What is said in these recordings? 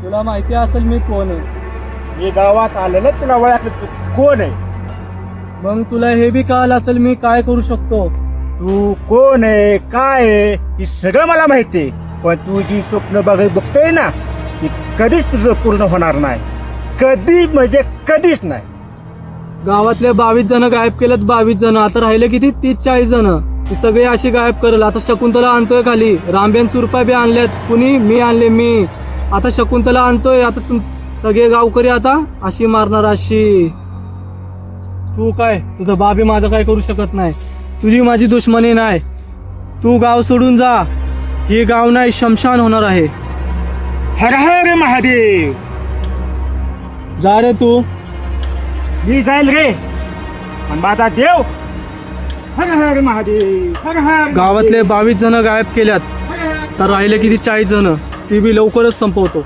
तुला माहिती असेल मी कोण आहे. मी गावात आलेलं तुला ओळखलं तू कोण आहे. मग तुला हे बी कळालं असेल मी काय करू शकतो. तू कोण आहे काय आहे हे सगळं मला माहिती आहे. पण तू जी स्वप्न बघतोय ना ती कधीच तुझं पूर्ण होणार नाही. कधी म्हणजे कधीच नाही. गावातले 22 जण गायब केलेत. 22 जण आता राहिले किती 30-40 जण. ती सगळी अशी गायब करेल. आता शकुंतला आणतोय खाली. रामबेन सुरपा बी आणल्यात. कुणी मी आणले मी. आता शकुंतला आणतोय. आता सगळे गावकरी आता अशी मारणार अशी. तू काय तुझं बाबी माझं काय करू शकत नाही. तुझी माझी दुश्मनी नाही. तू गाव सोडून जा. हे गाव नाही शमशान होणार आहे. हर हर महादेव. जा रे तू. मी जाईल रे पण माझा देव. हर हर महादेव हर हर. गावातले 22 जण गायब केल्यात. तर राहिले किती 40 जण. ती बी लवकरच संपवतो.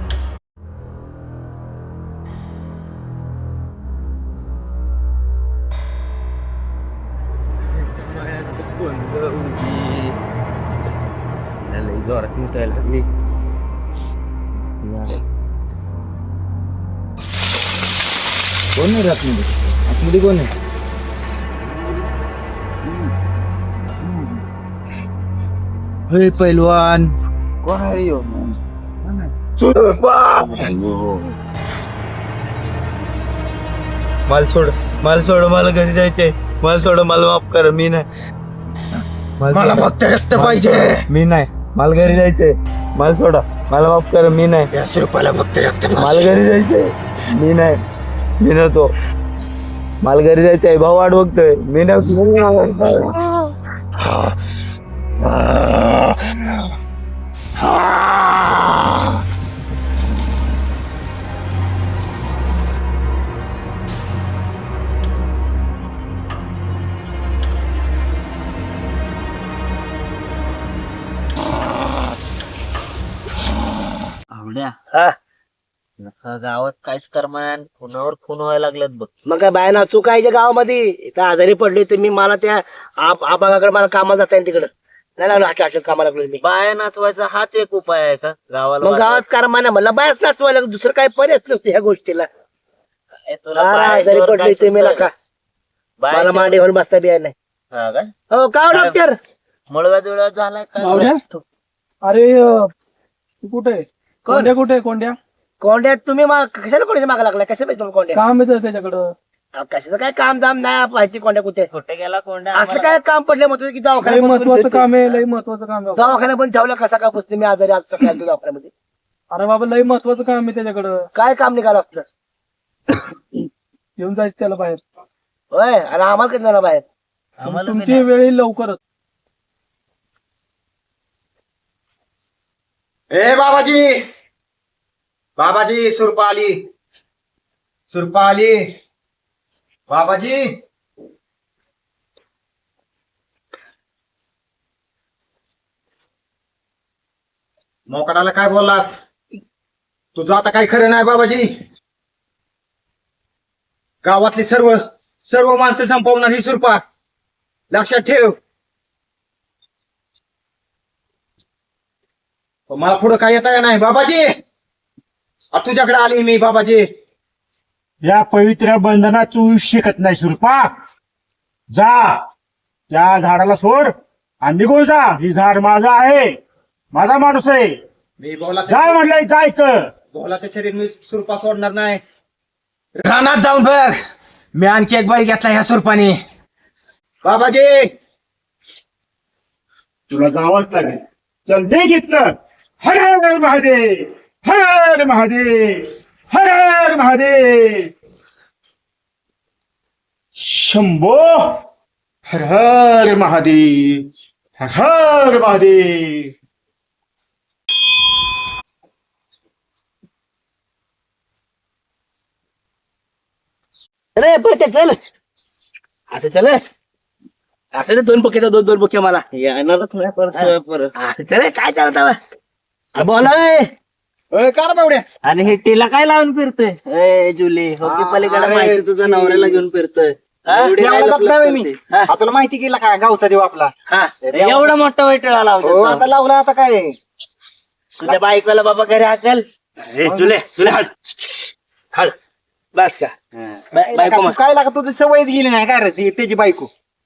कोण आहे आतमध्ये? आतमध्ये कोण आहे? हे पैलवान कोण आहे यो? मला सोड मला घरी जायचंय. मला सोड मला माफ कर. मी नाही. मला फक्त रक्त पाहिजे. मी नाही. मला घरी जायचंय. मला सोडा. मला माफ कर. मी नाही. या रुपयाला फक्त रक्त. मला घरी जायचंय. मी नाही. मी नव्हतो. मला घरी जायचंय. भाऊ वाट बघतोय. मी नव्हतो. गावात काहीच करमान फोनावर फोन व्हायला लागलेत बघ. मग काय बाय ना तू काय गावामध्ये इथं आजारी पडले तर मी मला त्या आबागाकडे मला कामाला जाता येईल तिकडं. नाही लागलो अशा कामाला लागलो मी. बाया नाचवायचा हाच एक उपाय आहे का गावाला? मग गावात कारमा नाही म्हणलं बायच नाचवायला दुसरं काय पर्याय नसतं ह्या गोष्टीला. काय तुला आजारी बायाशिवाय पडले काय तुम्ही सुचतं का? का? मला बायाशिवाय- मांडी घेऊन बसता बी नाही. हा काय हो का हो डॉक्टर? मळव्या जुळव्या झालाय मावड्या? काय? अरे तू कुठे आहे? कोंड्या कुठे आहे? कोंड्या कोंड्यात तुम्ही कशाला कोंड्याच्या मागा लागला? कसं पाहिजे तुम्ही कोंड्या? काम येतं त्याच्याकडं. कशाचं काय काम दाम नाही माहिती कोंड्या कुठे कुठे गेला कोंड्या? असलं काय काम पडले म्हणतो की लई दवाखान्यात महत्वाचं काम आहे. लई महत्वाचं काम आहे. दवाखान्यात पण ठेवलं कसा का बसते मी आजारी आज सकाळी आलतो दवाखान्यामध्ये. अरे बाबा लई महत्वाचं काम आहे त्याच्याकडं. काय काम निघालं असलं? घेऊन जायचं त्याला बाहेर. होय आणि आम्हाला कधी जाणार बाहेर? आम्हाला बी तुमची नाही. वेळ येईल लवकरच. ए बाबाजी बाबाजी सुरपा आली बाबाजी. मोकडाला काय बोललास? तुझं आता काही खरं नाही बाबाजी. गावातली सर्व माणसं संपवणार ही सुरपा. लक्षात ठेव. पण मला पुढं काय येता नाही बाबाजी. तुझ्याकडे आली मी बाबाजी. या पवित्र बंधनात तू शिकत नाही सुरपा. जा त्या झाडाला सोड आणि निघून जा. ही झाड माझं आहे. माझा माणूस आहे. मी जा म्हटलंय जायचं. बोलाचं शरीर मी सुरपा सोडणार नाही. रानात जाऊन बघ. मी आणखी एक बाई घेतला ह्या सुरपाने. बाबाजी तुला जावंच लागेल. चल दे घेतलं. हर हर महादेव हर हर महादेव हर हर महादेव. शंभो हर हर महादेव हर हर महादेव. रे पडते चल असं चल. असं ते दोन बुके दोन बुके मला येणारच नाही परत. असं चल काय चालत बोला. कार बावड्या. आणि हे टीला काय लावून फिरतोय? ए जुली हो की पलीकडे अरे, माहिती तुझ्या नवऱ्याला घेऊन फिरतोय. एवढी काय लपलप करते? हा? तुला माहिती केला का गावचा देव आपला? एवढा मोठा वैटळा हो लावतो आता लावला आता काय. तुझ्या बायकोला बाबा घरी हाकल. तुले तुले हळ हळ बस का बायको मग काय लागा तुझी सवयच गेली नाही काय रे त्याची बायको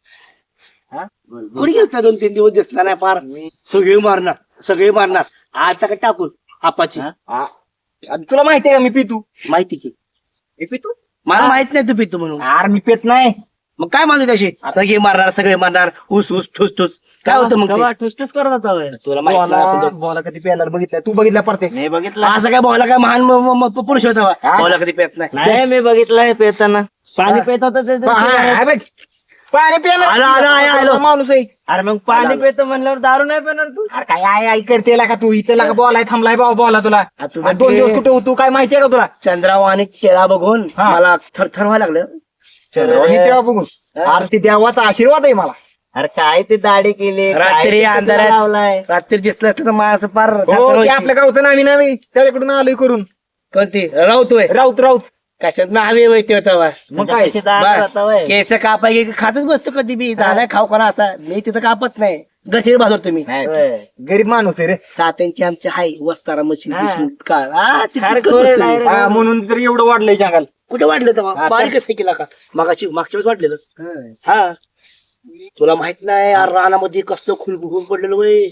कुठे घेतला 2-3 दिवस दिसला नाही पार सगळे मारणार आता काय टाकून आपाची तुला माहिती आहे का मी पितू माहिती की मी पितू मला माहित नाही तू पितो म्हणून यार मी पेत नाही मग काय म्हणतो त्याशी सगळे मारणार ऊस ठुस ठुस काय होतं मग ते? ठुसठुस करत होता होय. तुला माहित नाही असं बोला तो. बोला कधी प्यायला बघितलं तू बघितला परते नाही बघितलं असं काय बोला काय महान पुरुष होता हा? बोला कधी पेत नाही नाही मी बघितलंय पेताना पाणी पेत होत पाणी प्यायला माणूस आहे अरे मग पाणी पेतो म्हणल्यावर दारू नाही पेणार तू अरे काय आई करते का तू इथं लागा बोलाय थांबलाय बाबा बोला तुला तुला आणि 2 दिवस कुठे होतो काय माहितीये का तुला चंद्राव आणि केळा बघून हा. मला थरथर व्हायला लागलं हे तेव्हा बघून अरे ते देवाचा आशीर्वाद आहे मला अरे काय ते दाढी केली काय रात्री ते कचरा अंधारात लावलाय रात्री दिसलं असतं तर माणसं पार हो थरथर ते व्हायची. आपल्या गावचं नावी त्याच्याकडून आलोय करून कोणती रावतोय राऊत कशात नावे माहिती होता बा. मग काय कशी दारू जाता होय. केस कापाय खातच बसतो कधी बी झालाय खाऊ करा असा मी तिथं कापत नाही गचेर भाजर तुम्ही होय. गरीब माणूस आहे रे तात्यांची आमची हाय वस्तारा मशीन हा. तिथं खार बसतो खोरे मी. direct. हा, म्हणून तर एवढं वाढलंय जंगल कुठे वाढलं तेव्हा हा, बारीकच हे केला का मागच्या वेळेस वाढलेलं होय. हा तुला माहित नाही यार रानामध्ये कसलं खुलबुल पडलेलं वय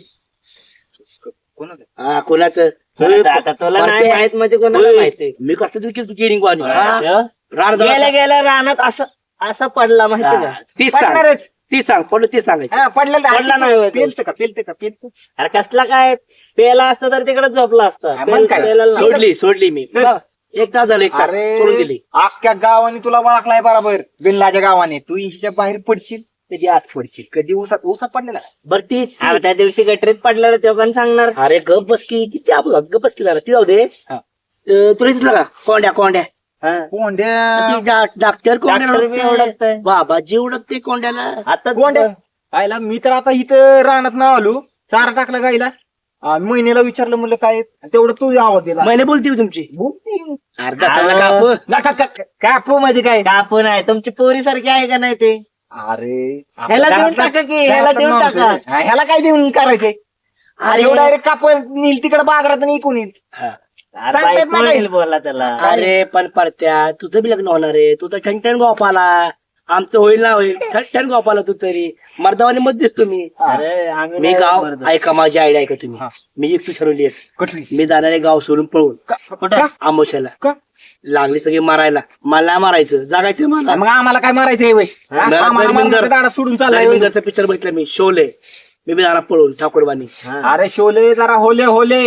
हा कोणाचं आता तुला नाही माहित म्हणजे कोणाला माहिती मी कसलं गेरिंग वाणी हा. रान गेल्या गेल्या रानात असं असं पडला माहिती का तीच सांग पडणारच. तीच सांग पडलं तीच सांगायचं हा, पडलेलं आहे. पडला नाही होय तो. पेलतं का अरे कसला काय पेला असतं तर तिकडे झोपला असता हा, मग काय? पेला नाही. सोडली मी एक तास झालं एक तास सोडून दिली अख्ख्या गावाने तुला ओळखलाय बरोबर बिल्लाच्या गावाने तू हिच्या बाहेर पडशील त्याची आत पडशील कधी ऊसात पडलेला बर ती अरे त्या दिवशी गटरीत पडल्यावर तेव्हा कोण सांगणार अरे गप बस की किती आपलं गप बस की जरा ती जाऊ दे हा. तुला दिसलं का कोंड्या हा. कोंड्या ती डॉक्टर डॉक्टर बी ओळखतंय. बाबा जी ओळखते कोंड्याला आता कोंड्या आयला मी तर आता इथं रानात ना आलो चारा टाकला गाईला महिन्याला विचारलं म्हणलं काय तेवढं तू आवाज दिला महिने बोलते हो तुमची बोलती. अर्धा सांगला काप कापू म्हणजे काय कापून आहे तुमची पोरी सारखी आहे का नाही ते अरे ह्याला देऊन टाका की ह्याला देऊन टाका ह्याला काय देऊन करायचंय अरे डायरेक्ट कापून नील तिकडे बाजारात इकून येईल अरे सांगता बाई, येत नाही कोण काय? येईल बोला त्याला अरे पण परत्या तुझं बी लग्न होणार आहे तू तर ठणठण गोपाला आमचं होईल ना होईल ठणठण गोपाला तू तरी मर्दावाने मत दिसतो मी अरे आम्ही मी नाही गाव मर्द. ऐका माझी आयडिया ऐका तुम्ही हा. मी एकटी ठरवली आहे कुठली मी जाणार आहे गाव सोडून पळून कुठं? आमोशाला का? लागली सगळी मारायला मला मारायचं जागायचं मला मग आम्हाला काय मारायचंय वय आम्हाला मारण्याचा दाडा सोडून चाललाय वय. धर्मेंद्रचा पिक्चर बघितला मी शोले मी बी जाणार पळून ठाकूरबानी हा. अरे शोले जरा होले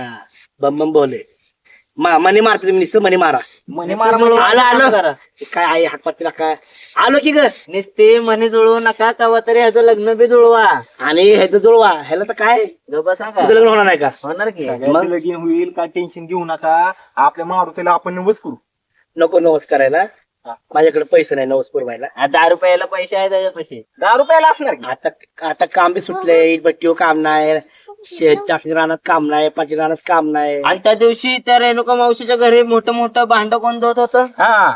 बम बम बोले मनी मारतो तुम्ही नुसतं मनी मारा म्हणे मारा म्हणून आलो जरा. काय आई हातपात पिला काय आलो की ग नुसते मनी जुळवू नका कवा तरी ह्याचं लग्न बी जुळवा आणि ह्याचं जुळवा ह्याला तर काय गप्पा सांगा तुझं लग्न होणार नाही का होणार की सगळ्याचं लगीन होईल काय टेन्शन घेऊ नका आपल्या मारुतीला आपण नवस करू नको नवस करायला माझ्याकडे पैसे नाही नवस पुरवायला 10 रुपयाला पैसे आहे त्याच्यापाशी 10 रुपयाला असणार की? आता काम बी सुटलंय बट्टीवर काम नाही टाकणी रानात काम नाही पाची रानात काम नाही आणि त्या दिवशी त्या रेणुका मावशीच्या घरी मोठं भांड कोण धुत होतं हा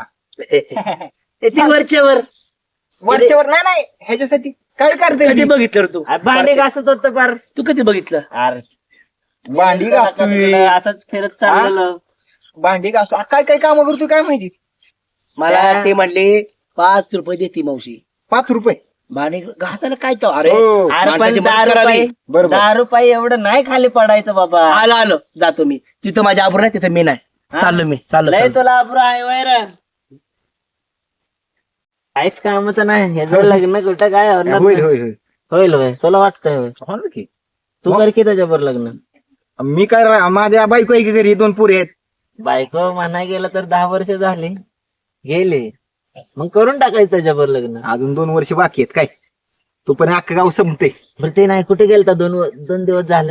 ते वरच्यावर वरच्यावर नाही ह्याच्यासाठी काय करते कधी बघितलं रे तू भांडे घासत होतं फार तू कधी बघितलं अरे भांडी घासतोय असंच फिरत चाललेलं भांडी घासतो काय काय काम करतोय काय माहिती मला ते म्हणले 5 रुपये देते मावशी 5 रुपये भांडी घासायला काय तो अरे हो, अरे पण माणसाची 10 मदत करावी. रुपये बरोबर 10 रुपये एवढं नाही खाली पडायचं बाबा आलो जातो मी जिथं माझ्या आबरू नाही तिथं मी नाही हा? चाललो मी चाललो लय चाललो. तुला अब्रू आहे वैर काहीच कामच नाही हे जर लग्न कुठं काय होणार होईल नाही. होईल होईल होईल होय तुला वाटतंय होय होणार की तू कर की त्याच्यावर लग्न मी काय माझ्या बायको आहे की घरी 2 पुरी आहेत बायको म्हणाय गेलं तर 10 वर्ष झाली गेले मग करून टाकायचं त्याच्यावर लग्न अजून 2 वर्ष बाकी आहेत काय तू पण अख्खं गाव संपते बरं ते नाही कुठे गेलता 2 दिवस झालं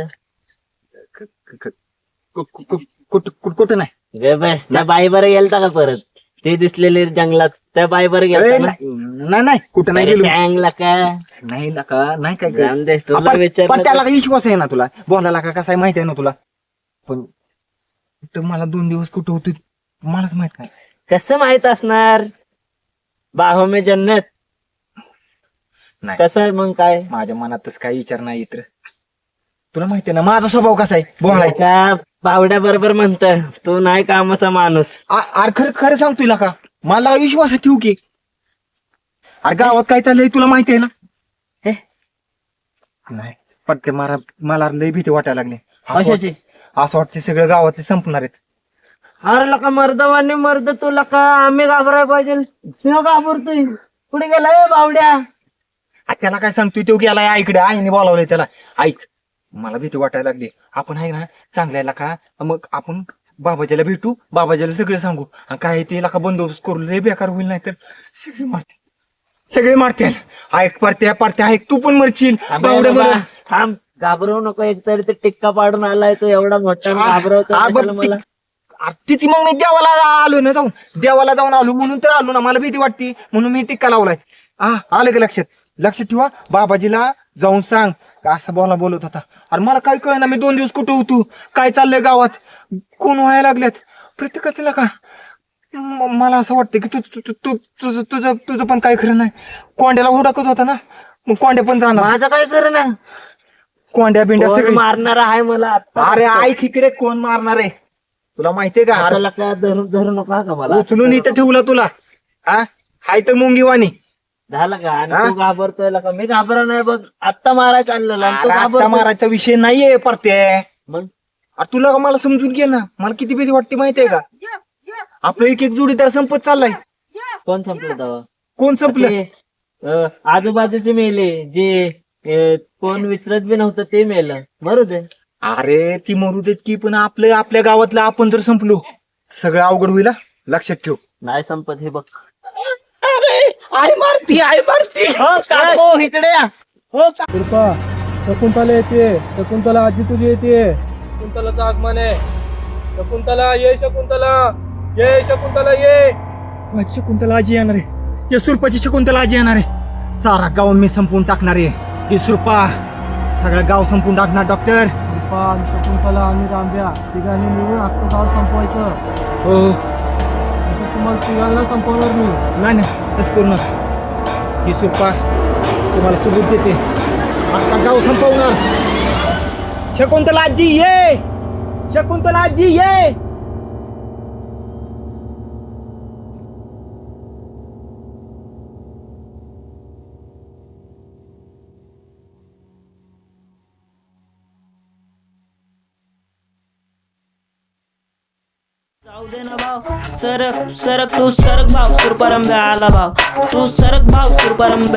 कुठं नाही गे बस त्या बाईबर गेलता का परत ते दिसलेले जंगलात त्या बाईबर गेलता ना? नाही कुठं नाही अरे गेलो सांगला का नाही नका नाही काय जाऊन दे तुला पण विचार त्याला काही विश्वास आहे ना तुला बोलायला का कसा आहे माहिती आहे ना तुला पण कुठं मला 2 दिवस कुठं होते मलाच माहित नाही कसं माहित असणार बाहो में जन्नत नाही. कसं आहे मग काय माझ्या मनात तसं काही विचार नाही येत रे. तुला माहिती आहे ना माझा स्वभाव कसा आहे बोलायचा का बावड्या बरोबर म्हणत तू नाही कामाचा माणूस. अरे खरं खरं सांग तुला का मला विश्वास ठेवू की. अरे गावात काय चाललंय तुला माहिती आहे ना. हे नाही पण ते मला लय भीती वाटायला लागली. कशाची? असं वाटतं सगळं गावातले संपणार आहेत. अरे लका मर्दवाने मर्द तू लका आम्ही घाबराय पाहिजे. तू घाबरतोय कुठे गेलाय बावड्या? त्याला काय सांगतोय तो गेलाय आईकडे. आईने बोलावलंय त्याला. ऐक मला भीती वाटायला लागली. आपण आहे ना चांगल्याला का मग आपण बाबाजीला भेटू. बाबाजीला सगळं सांगू आणि काय ते का बंदोबस्त करू. लय बेकार होईल नाही तर सगळे मारतील. ऐक परत्या ऐक तू पण मरशील. बावड्या बरं थांब घाबरवू नको. एकतरी ते टिक्का पाडून आलाय तो एवढा मोठा घाबरवतो कशाला मला. तिची मग मी देवाला आलो ना देवाला जाऊन आलो म्हणून तर आलो ना. मला भीती वाटती म्हणून मी टिक्का लावलाय. आलं का लक्षात ठेवा. बाबाजीला जाऊन सांग का असं बोलत होता. अरे मला काय कळना मी 2 दिवस कुठं होतो. काय चाललंय गावात कोण व्हायला लागल्यात प्रत्येकाचं का. मला असं वाटतं की तुझं पण काय खरं नाही. कोंड्याला हुडकत होता ना मग कोंड्या पण जाणार. माझं काय कर ना. कोंड्या बिंड्या सगळं मारणार आहे मला आता. अरे ऐक इकडे कोण मारणार आहे तुला माहितीये का. असं लका धरू नका का मला. उचलून इथं ठेवला तुला. हाय तर मुंगीवाणी झालं का. आणि तू घाबरतोय लका. मी घाबरा नाही बघ. आत्ता मारायचं आणलेलं आणि तू आता घाबरतोय. मारायचा विषय नाहीये परते. मग अरे तुला मला समजून घे ना. मला किती भीती वाटते माहितीये का. आपलं एक जोडीदार संपत चाललाय. कोण संपलं तेव्हा? कोण संपलं. आजूबाजूचे मेले जे कोण विचारत बी नव्हतं ते मेलं. मरू दे. अरे ती मरू देत की पण आपल्या गावातलं आपण जर संपलो सगळं अवघड होईल. लक्षात ठेव. नाही संपत हे बघ. आई मारती हो काको इकडे या. हो का. कृपा शकुंतला येते. शकुंतला आजी तुझी येते. शकुंतलाचं आगमन आहे. शकुंतला ये. शकुंतला ये. माझी शकुंतला आजी येणार आहे. या सुरपाची शकुंतला आजी येणार आहे. सारा गाव मी संपवून टाकणार आहे. ही सुरपा सगळं गाव संपवून टाकणार. डॉक्टर कृपा आणि शकुंतला आणि रांब्या तिघांनी मिळून अख्खं गाव संपवायचं. हो तुम्हाला तिघांना संपवणार मी. नाही तसं करू नका. ही सुरपा तुम्हाला सबूत देते. अख्खा गाव संपवणार. शकुंतला आजी ये. शकुंतला आजी ये. जाऊ दे ना भाव. सरक तू सरक भाव. सुरपरंब्या आला भाव. तू सरक भाव. सुरपरंब्या